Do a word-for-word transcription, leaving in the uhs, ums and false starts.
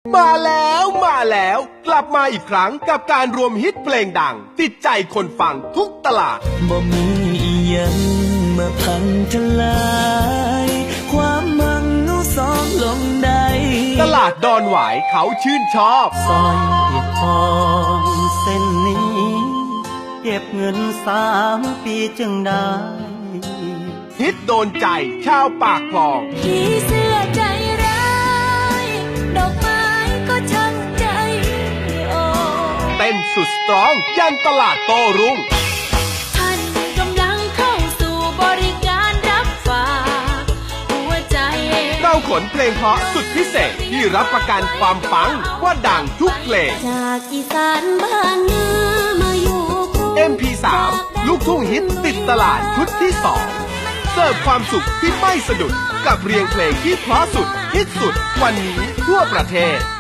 มาแล้วมาแล้วกลับมาอีกครั้งกับการรวมฮิตเพลงดังติดใจคนฟังทุกตลาดบ่มีอีหยังมาพังทลายความมังนูสองลงได้ตลาดดอนหวายเขาชื่นชอบซอยทองเส้นนี้เก็บเงินสามปีจึงได้ฮิตโดนใจชาวปากคลองพี่เสื้อใจร้ายดอกไม้ก็ช่างใจอ่อนเต้นสุดสตรองยันตลาดโต้รุ่งท่านกำลังเข้าสู่บริการรับฝากหัวใจเราขนเพลงเพราะสุดพิเศษที่รับประกันความปังว่าดังทุกเพลงจากอีสานบ้านเนื้อมาอยู่กรุงเอ็ม พี สาม ลูกทุ่งฮิตติดตลาดชุดที่สองเสิร์ฟความสุขที่ไม่สะดุดกับเรียงเพลงที่เพราะสุดฮิตสุดวันนี้ทั่วประเทศ